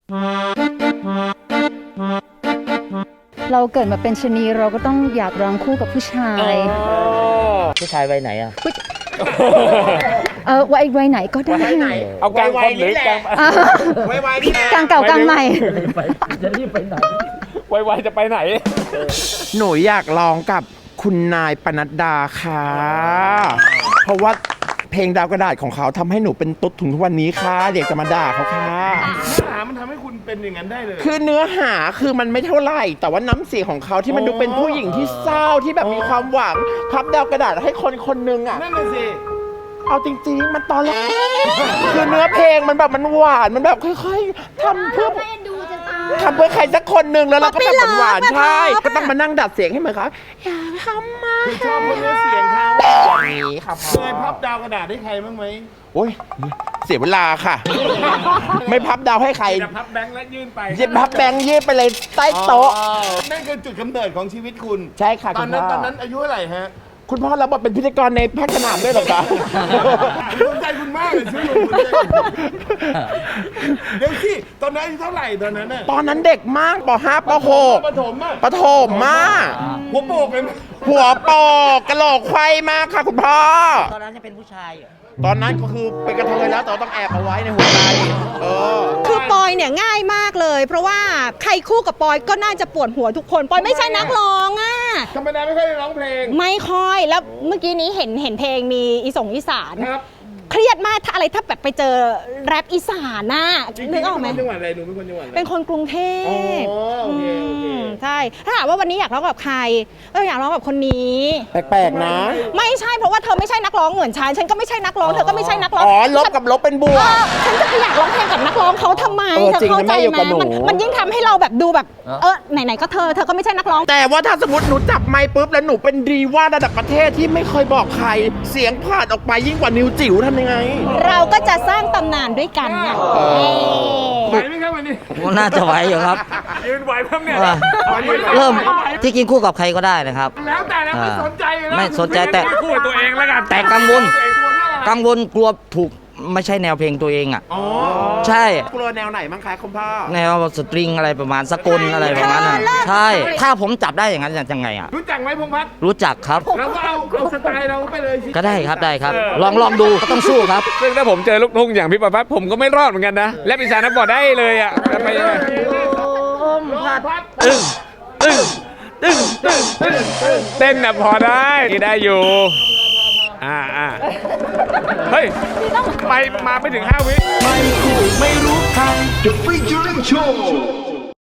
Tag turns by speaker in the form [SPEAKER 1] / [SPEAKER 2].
[SPEAKER 1] เราเกิดมาเป็นชะนีเราก็ต้องอยากร้องคู่กับผู้ชาย
[SPEAKER 2] ผู้ชายวัยไหนอ่ะ
[SPEAKER 1] วัยไหนก็ได้
[SPEAKER 3] เอากลางคนหรือกลาง
[SPEAKER 4] ไวๆนี่แหละ
[SPEAKER 1] กลางเก่ากลางใหม่
[SPEAKER 2] จะรีบไปไหน
[SPEAKER 3] ไวๆจะไปไหน
[SPEAKER 4] หนูอยากร้องกับคุณนายปนัดดาค่ะเพราะว่าเพลงดาวกระดาษของเขาทำให้หนูเป็นตุ๊ดถึงทุกวันนี้ค่ะเด็กจะมาด่าเขาค่ะ
[SPEAKER 3] หามันทำให้คุณเป็นอย่างนั้นได้เลย
[SPEAKER 4] คือเนื้อหาคือมันไม่เท่าไหร่แต่ว่าน้ำเสียงของเขาที่มันดูเป็นผู้หญิงที่เศร้าที่แบบมีความหวังพับดาวกระดาษให้คนคนนึงอ่ะ
[SPEAKER 3] นั่นน่ะสิ
[SPEAKER 4] เอาจริงๆมันตอนแรกคือเนื้อเพลงมันแบบมันหวานมันแบบค่อยๆทำเพื่อใครสักคนหนึ่งแล้วเราก็แบบหวานใช่ก็ต้องมานั่งดัดเสียงให้เหมือนเขาอยากทำมา
[SPEAKER 3] คือชอบเนื้อเสียงเขา
[SPEAKER 4] อย่างนี้ครับ
[SPEAKER 3] เคยพับดาวกระดาษให้ใครบ้างไหม
[SPEAKER 4] โอ้ยเสียเวลาค่ะไม่พับดาวให้ใคร
[SPEAKER 3] จะพับแบงค์และยื่นไป
[SPEAKER 4] จะพับแบงค์ยื่นไปเลยใต้โต๊ะ
[SPEAKER 3] นั่นคือจุดกำเนิดของชีวิตคุณ
[SPEAKER 4] ใช่ค่ะ
[SPEAKER 3] ตอนนั้นอายุเท่าไหร่ฮะ
[SPEAKER 4] คุณพ่อเราเป็นพิธีกรในภาคสนามด้วยหรอคะ
[SPEAKER 3] ภูมิใจคุณมากเลยชื่อลุงเดี๋ยวสิตอนนั้นอายุเท่าไหร่ตอนนั้นน่ะ
[SPEAKER 4] ตอนนั้นเด็กมากป .5 ป .6
[SPEAKER 3] ประถมอ่ะ
[SPEAKER 4] ประถมมาก
[SPEAKER 3] หัวโปกเลยไหม
[SPEAKER 4] หัวโปกกระโหลกไขว้มากค่ะคุณพ่อ
[SPEAKER 2] ตอนนั้นจะเป็นผู้ชาย
[SPEAKER 4] ตอนนั้นก็คือเป็นกระเทยแล้วแต่ต้องแอบเอาไว้ในหัวใจ
[SPEAKER 5] คือปอยเนี่ยง่ายมากเลยเพราะว่าใครคู่กับปอยก็น่าจะปวดหัวทุกคนปอยไม่ใช่นักร้องอ่ะ
[SPEAKER 3] ธรรมดาไม่ค่อยได้ร้องเพลง
[SPEAKER 5] ไม่ค่อยแล้วเมื่อกี้นี้เห็นเพลงมีอีสาน
[SPEAKER 3] ครับ
[SPEAKER 5] เครียดมากถ้าอะไรถ้าแบบไปเจอแรปอีสานน่ะนึกออกไหม
[SPEAKER 3] จังหวัดอะไรหนูเป็นคนจังหวัดอะไร
[SPEAKER 5] เป็นคนกรุงเทพ
[SPEAKER 3] โอเค
[SPEAKER 5] ใช่ถ้าถามว่าวันนี้อยากร้องกับใครอยากร้องกับคนนี้
[SPEAKER 4] แปลกๆนะ
[SPEAKER 5] ไม่ใช่เพราะว่าเธอไม่ใช่นักร้องเหมือนฉันก็ไม่ใช่นักร้องเธอก็ไม่ใช่นักร้อง
[SPEAKER 4] ลบกับลบเป็นบวก
[SPEAKER 5] ฉันจะไปอยากร้องเพลงกับนักร้องเขาทำไมเธอเข้าใจไหมมันยิ่งทำให้เราแบบดูแบบไหนๆก็เธอก็ไม่ใช่นักร้อง
[SPEAKER 4] แต่ว่าถ้าสมมติหนูจับไมค์ปุ๊บแล้วหนูเป็นดีว่าระดับประเทศที่ไม่เคยบอกใครเสียงผ่านออกไปยิ่งกว่านิวจิ๋วทำยังไง
[SPEAKER 5] เราก็จะสร้างตำนานด้วยกันไง
[SPEAKER 3] ไหวไหมครับวันนี้
[SPEAKER 2] น่าจะไหวอยู่ครับ
[SPEAKER 3] ยืนไหวครับเนี่ย
[SPEAKER 2] เริ่มที่กินคู่กับใครก็ได้นะครับ
[SPEAKER 3] แล้วแต่นะไม่สนใจเลย
[SPEAKER 2] ไม่สนใจแต่
[SPEAKER 3] คู่ตัวเองแล้วกัน
[SPEAKER 2] แต่กังวลกลัวถูกไม่ใช่แนวเพลงตัวเองอ่ะใช่
[SPEAKER 4] กลัวแนวไหนบ้างคะคุณพ่อ
[SPEAKER 2] แนวสตริงอะไรประมาณสกลอะไรประมาณนั้นใช่ถ้าผมจับได้อย่างนั้นยังไงอ่ะ
[SPEAKER 3] รู้จักไหมพงษ์พัฒน์
[SPEAKER 2] รู้จักครับ
[SPEAKER 3] เราก็เอาสไตล์เราไปเลย
[SPEAKER 2] ก็ได้ครับลองดูก็ต้องสู้ครับ
[SPEAKER 3] ซึ่งถ้าผมเจอลูกทุ่งอย่างพี่ประพัฒน์ผมก็ไม่รอดเหมือนกันนะและอีสานนักบอดได้เลยอ่ะไปยังไงเต้นน่ะพอได้อยู่เฮ้ยมาไม่ถึง5 วิ
[SPEAKER 6] ไม่คู่ไม่รู้ใคร The Featuring Show